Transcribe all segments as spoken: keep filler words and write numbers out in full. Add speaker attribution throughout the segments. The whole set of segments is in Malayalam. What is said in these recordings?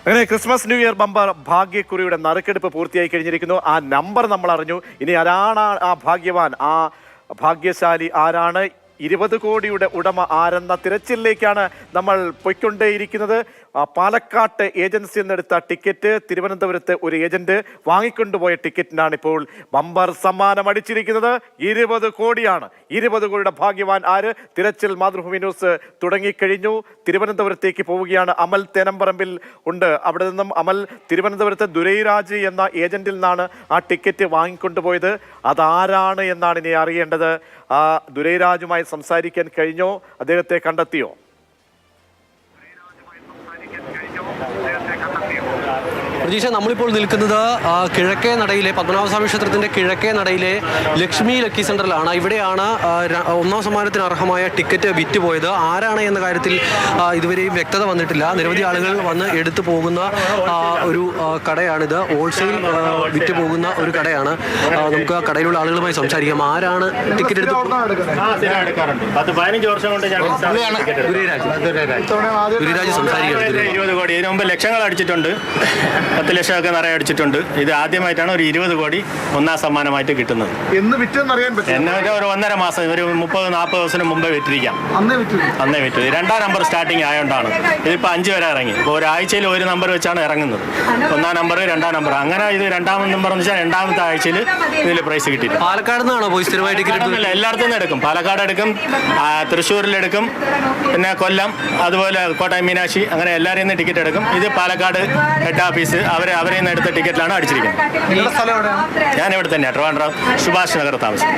Speaker 1: അങ്ങനെ ക്രിസ്മസ് ന്യൂ ഇയർ ബമ്പർ ഭാഗ്യക്കുറിയുടെ നറുക്കെടുപ്പ് പൂർത്തിയായി കഴിഞ്ഞിരിക്കുന്നു. ആ നമ്പർ നമ്മൾ അറിഞ്ഞു. ഇനി ആരാണ് ആ ഭാഗ്യവാൻ, ആ ഭാഗ്യശാലി ആരാണ്, ഇരുപത് കോടിയുടെ ഉടമ ആരെന്ന തിരച്ചിലിലേക്കാണ് നമ്മൾ പൊയ്ക്കൊണ്ടേയിരിക്കുന്നത്. പാലക്കാട്ട് ഏജൻസിയിൽ നിന്നെടുത്ത ടിക്കറ്റ് തിരുവനന്തപുരത്ത് ഒരു ഏജന്റ് വാങ്ങിക്കൊണ്ടുപോയ ടിക്കറ്റിനാണ് ഇപ്പോൾ ബമ്പർ സമ്മാനം അടിച്ചിരിക്കുന്നത്. ഇരുപത് കോടിയാണ്. ഇരുപത് കോടിയുടെ ഭാഗ്യവാൻ ആര്? തിരച്ചിൽ മാതൃഭൂമി ന്യൂസ് തുടങ്ങിക്കഴിഞ്ഞു. തിരുവനന്തപുരത്തേക്ക് പോവുകയാണ്. അമൽ തേനമ്പറമ്പിൽ ഉണ്ട്. അവിടെ നിന്നും അമൽ, തിരുവനന്തപുരത്ത് ദുരൈരാജ് എന്ന ഏജന്റിൽ നിന്നാണ് ആ ടിക്കറ്റ് വാങ്ങിക്കൊണ്ടുപോയത്. അതാരാണ് എന്നാണ് ഇനി അറിയേണ്ടത്. ആ ദുരൈരാജുമായി സംസാരിക്കാൻ കഴിഞ്ഞോ? അദ്ദേഹത്തെ കണ്ടെത്തിയോ?
Speaker 2: പ്രതീക്ഷ, നമ്മളിപ്പോൾ നിൽക്കുന്നത് കിഴക്കേ നടയിലെ പത്മനാഭസ്വാമി ക്ഷേത്രത്തിൻ്റെ കിഴക്കേ നടയിലെ ലക്ഷ്മി ലക്കി സെൻ്ററിലാണ്. ഇവിടെയാണ് ഒന്നാം സമ്മാനത്തിന് അർഹമായ ടിക്കറ്റ് വിറ്റുപോയത്. ആരാണ് എന്ന കാര്യത്തിൽ ഇതുവരെയും വ്യക്തത വന്നിട്ടില്ല. നിരവധി ആളുകൾ വന്ന് എടുത്തു പോകുന്ന ഒരു കടയാണിത്. ഹോൾസെയിൽ വിറ്റ് പോകുന്ന ഒരു കടയാണ്. നമുക്ക് ആ കടയിലുള്ള ആളുകളുമായി സംസാരിക്കാം. ആരാണ് ടിക്കറ്റ് എടുത്ത്? ദുരൈരാജ് സംസാരിക്കുകയാണ്.
Speaker 3: ഇരുപത് കോടി ഇതിനു മുമ്പ് ലക്ഷങ്ങൾ അടിച്ചിട്ടുണ്ട്, പത്ത് ലക്ഷമൊക്കെ നിറയെ അടിച്ചിട്ടുണ്ട്. ഇത് ആദ്യമായിട്ടാണ് ഒരു ഇരുപത് കോടി ഒന്നാം സമ്മാനമായിട്ട് കിട്ടുന്നത്.
Speaker 4: എന്ന് വിറ്റെന്നറിയാൻ പറ്റും.
Speaker 3: എന്നെ ഒരു ഒന്നര മാസം, ഒരു മുപ്പത് നാൽപ്പത് ദിവസത്തിന് മുമ്പേ വിറ്റിരിക്കാം. അന്നേ വിറ്റു. രണ്ടാം നമ്പർ സ്റ്റാർട്ടിങ് ആയതുകൊണ്ടാണ്. ഇതിപ്പോൾ അഞ്ച് വരെ ഇറങ്ങി. ഇപ്പോൾ ഒരാഴ്ചയിൽ ഒരു നമ്പർ വെച്ചാണ് ഇറങ്ങുന്നത്. ഒന്നാം നമ്പർ, രണ്ടാം നമ്പർ, അങ്ങനെ ഇത് രണ്ടാമത് നമ്പർ എന്ന് വെച്ചാൽ രണ്ടാമത്തെ ആഴ്ചയിൽ ഇതിൽ പ്രൈസ് കിട്ടിയിട്ടുണ്ട്.
Speaker 2: പാലക്കാട് നിന്നാണോ പോയി സ്ഥിരമായി ടിക്കറ്റ്?
Speaker 3: അല്ല, എല്ലായിടത്തും നിന്ന് എടുക്കും. പാലക്കാട് എടുക്കും, തൃശ്ശൂരിലെടുക്കും, പിന്നെ കൊല്ലം, അതുപോലെ കോട്ടയം മീനാക്ഷി, അങ്ങനെ എല്ലാവരും നിന്ന് ടിക്കറ്റ് എടുക്കും. ഇത് പാലക്കാട് ഹെഡ് ഓഫീസ് അവരെ അവരെ നിന്ന് എടുത്ത ടിക്കറ്റിലാണ് അടിച്ചിരിക്കുന്നത്. ഞാൻ ഇവിടെ തന്നെയാണ്, ട്രിവാൻഡ്രം സുഭാഷ് നഗർ താമസം.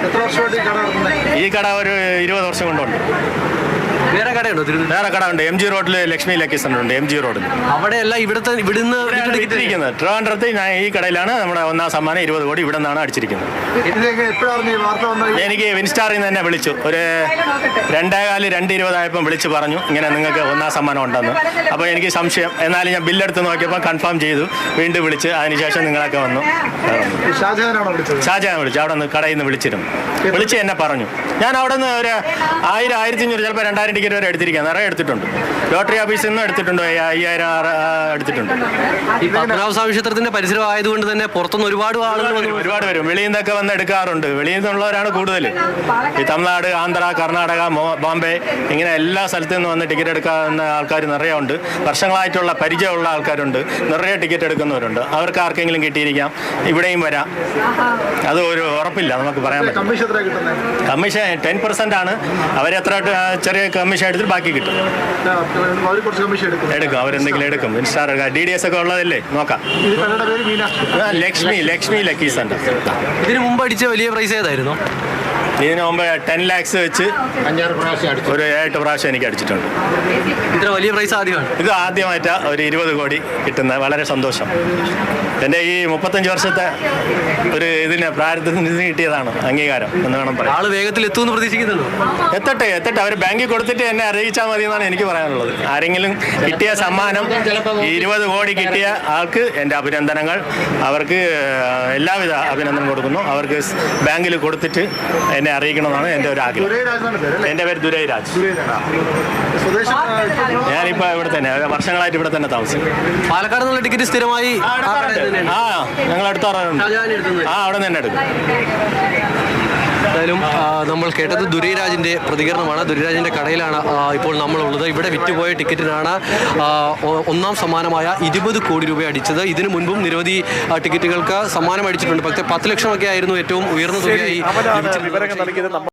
Speaker 3: ഈ കട ഒരു ഇരുപത് വർഷം കൊണ്ടുണ്ട്.
Speaker 2: വേറെ കടയുണ്ടോ?
Speaker 3: വേറെ കട ഉണ്ട്. എം ജി റോഡിൽ ലക്ഷ്മി ലക്കി സെൻ്റർ ഉണ്ട്. എം ജി റോഡിൽ
Speaker 2: അവിടെയല്ല, ഇവിടുത്തെ ഇവിടുന്ന്
Speaker 3: ഇരിക്കുന്നത് ട്രിവാൻഡ്രത്ത് ഞാൻ ഈ കടയിലാണ് നമ്മുടെ ഒന്നാം സമ്മാനം ഇരുപത് കോടി ഇവിടെ നിന്നാണ് അടിച്ചിരിക്കുന്നത്. എനിക്ക് വിൻസ്റ്റാറിൽ നിന്ന് തന്നെ വിളിച്ചു. ഒരു രണ്ടേകാല് രണ്ട് ഇരുപതായപ്പം വിളിച്ച് പറഞ്ഞു ഇങ്ങനെ നിങ്ങൾക്ക് ഒന്നാം സമ്മാനം ഉണ്ടെന്ന്. അപ്പോൾ എനിക്ക് സംശയം. എന്നാലും ഞാൻ ബില്ലെടുത്ത് നോക്കിയപ്പോൾ കൺഫേം ചെയ്തു. വീണ്ടും വിളിച്ച് അതിനുശേഷം നിങ്ങളൊക്കെ വന്നു. ഷാജഹാൻ വിളിച്ചു. അവിടെ നിന്ന് കടയിൽ നിന്ന് വിളിച്ചിരുന്നു. വിളിച്ച് എന്നെ പറഞ്ഞു. ഞാൻ അവിടെ നിന്ന് ഒരു ആയിരം ആയിരത്തി അഞ്ഞൂറ് ചിലപ്പോൾ രണ്ടായിരം ടിക്കറ്റ് വരെ എടുത്തിരിക്കുക. നിറയെ എടുത്തിട്ടുണ്ട്. ലോട്ടറി ഓഫീസിൽ നിന്നും എടുത്തിട്ടുണ്ട്. അയ്യായിരം എടുത്തിട്ടുണ്ട്.
Speaker 2: ഈ പത്മനാഭസ്വാമി ക്ഷേത്രത്തിന്റെ പരിസരം ആയതുകൊണ്ട് തന്നെ പുറത്തുനിന്ന് ഒരുപാട് ആളുകൾ
Speaker 3: ഒരുപാട് വരും. വെളിയിൽ നിന്നൊക്കെ വന്ന് എടുക്കാറുണ്ട്. വെളിയിൽ നിന്നുള്ളവരാണ് കൂടുതൽ. ഈ തമിഴ്നാട്, ആന്ധ്ര, കർണാടക, ബോംബെ, ഇങ്ങനെ എല്ലാ സ്ഥലത്തു നിന്ന് വന്ന് ടിക്കറ്റ് എടുക്കാവുന്ന ആൾക്കാർ നിറയെ ഉണ്ട്. വർഷങ്ങളായിട്ടുള്ള പരിചയമുള്ള ആൾക്കാരുണ്ട്. നിറയെ ടിക്കറ്റ് എടുക്കുന്നവരുണ്ട്. അവർക്ക് ആർക്കെങ്കിലും കിട്ടിയിരിക്കാം. ഇവിടെയും വരാം. അത് ഒരു ഉറപ്പില്ല, നമുക്ക് പറയാൻ പറ്റും. കമ്മീഷൻ ടെൻ പെർസെന്റ് ആണ്. അവരെത്ര ചെറിയ കമ്മീഷൻ എടുത്തിട്ട് ബാക്കി കിട്ടും. എടുക്കും, അവരെന്തെങ്കിലും എടുക്കും. ഇൻസ്റ്റാർ ഡി ഡി എസ് ഒക്കെ ഉള്ളതല്ലേ, നോക്കാം. Lakshmi Lakshmi lucky centre.
Speaker 2: ഇതിന് മുമ്പ് അടിച്ച വലിയ പ്രൈസ് ഏതായിരുന്നു?
Speaker 3: ഇതിന് മുമ്പ് ടെൻ ലാക്സ് വെച്ച് അഞ്ചാറ് പ്രാവശ്യം ഒരു ഏഴെട്ട് പ്രാവശ്യം എനിക്ക് അടിച്ചിട്ടുണ്ട്.
Speaker 2: ഇത്ര വലിയ പ്രൈസ് ആദ്യമാണ്.
Speaker 3: ഇത് ആദ്യമായിട്ടാണ് ഒരു ഇരുപത് കോടി കിട്ടുന്നത്. വളരെ സന്തോഷം. എൻ്റെ ഈ മുപ്പത്തഞ്ച് വർഷത്തെ ഒരു ഇതിന് പ്രാരബ്ധത്തിൽ നിന്ന് കിട്ടിയതാണ് അംഗീകാരം എന്ന് വേണം പറയാം.
Speaker 2: ആള് വേഗത്തിൽ എത്തുമെന്ന് പ്രതീക്ഷിക്കുന്നുണ്ടോ?
Speaker 3: എത്തട്ടെ എത്തട്ടെ അവർ ബാങ്കിൽ കൊടുത്തിട്ട് എന്നെ അറിയിച്ചാൽ മതി എന്നാണ് എനിക്ക് പറയാനുള്ളത്. ആരെങ്കിലും കിട്ടിയ സമ്മാനം, ഇരുപത് കോടി കിട്ടിയ ആൾക്ക് എൻ്റെ അഭിനന്ദനങ്ങൾ. അവർക്ക് എല്ലാവിധ അഭിനന്ദനം കൊടുക്കുന്നു. അവർക്ക് ബാങ്കിൽ കൊടുത്തിട്ട് എന്നെ അറിയിക്കണമെന്നാണ് എൻ്റെ ഒരു ആഗ്രഹം. എൻ്റെ പേര് ദുരൈരാജ്. ഞാനിപ്പോൾ ഇവിടെ തന്നെ വർഷങ്ങളായിട്ട് ഇവിടെ തന്നെ താമസിക്കും.
Speaker 2: പാലക്കാട് നിന്നുള്ള ടിക്കറ്റ് സ്ഥിരമായി
Speaker 3: ആ ഞങ്ങൾ എടുത്താറുണ്ട്. ആ അവിടെ നിന്ന് തന്നെ എടുക്കും.
Speaker 2: എന്തായാലും നമ്മൾ കേട്ടത് ദുരൈരാജിൻ്റെ പ്രതികരണമാണ്. ദുരൈരാജിൻ്റെ കടയിലാണ് ഇപ്പോൾ നമ്മളുള്ളത്. ഇവിടെ വിറ്റുപോയ ടിക്കറ്റിനാണ് ഒന്നാം സമ്മാനമായ ഇരുപത് കോടി രൂപ അടിച്ചത്. ഇതിനു മുൻപും നിരവധി ടിക്കറ്റുകൾക്ക് സമ്മാനം അടിച്ചിട്ടുണ്ട്. പക്ഷേ പത്ത് ലക്ഷമൊക്കെ ആയിരുന്നു ഏറ്റവും ഉയർന്ന തുകയായി.
Speaker 1: വിവരങ്ങൾ നൽകിയത്.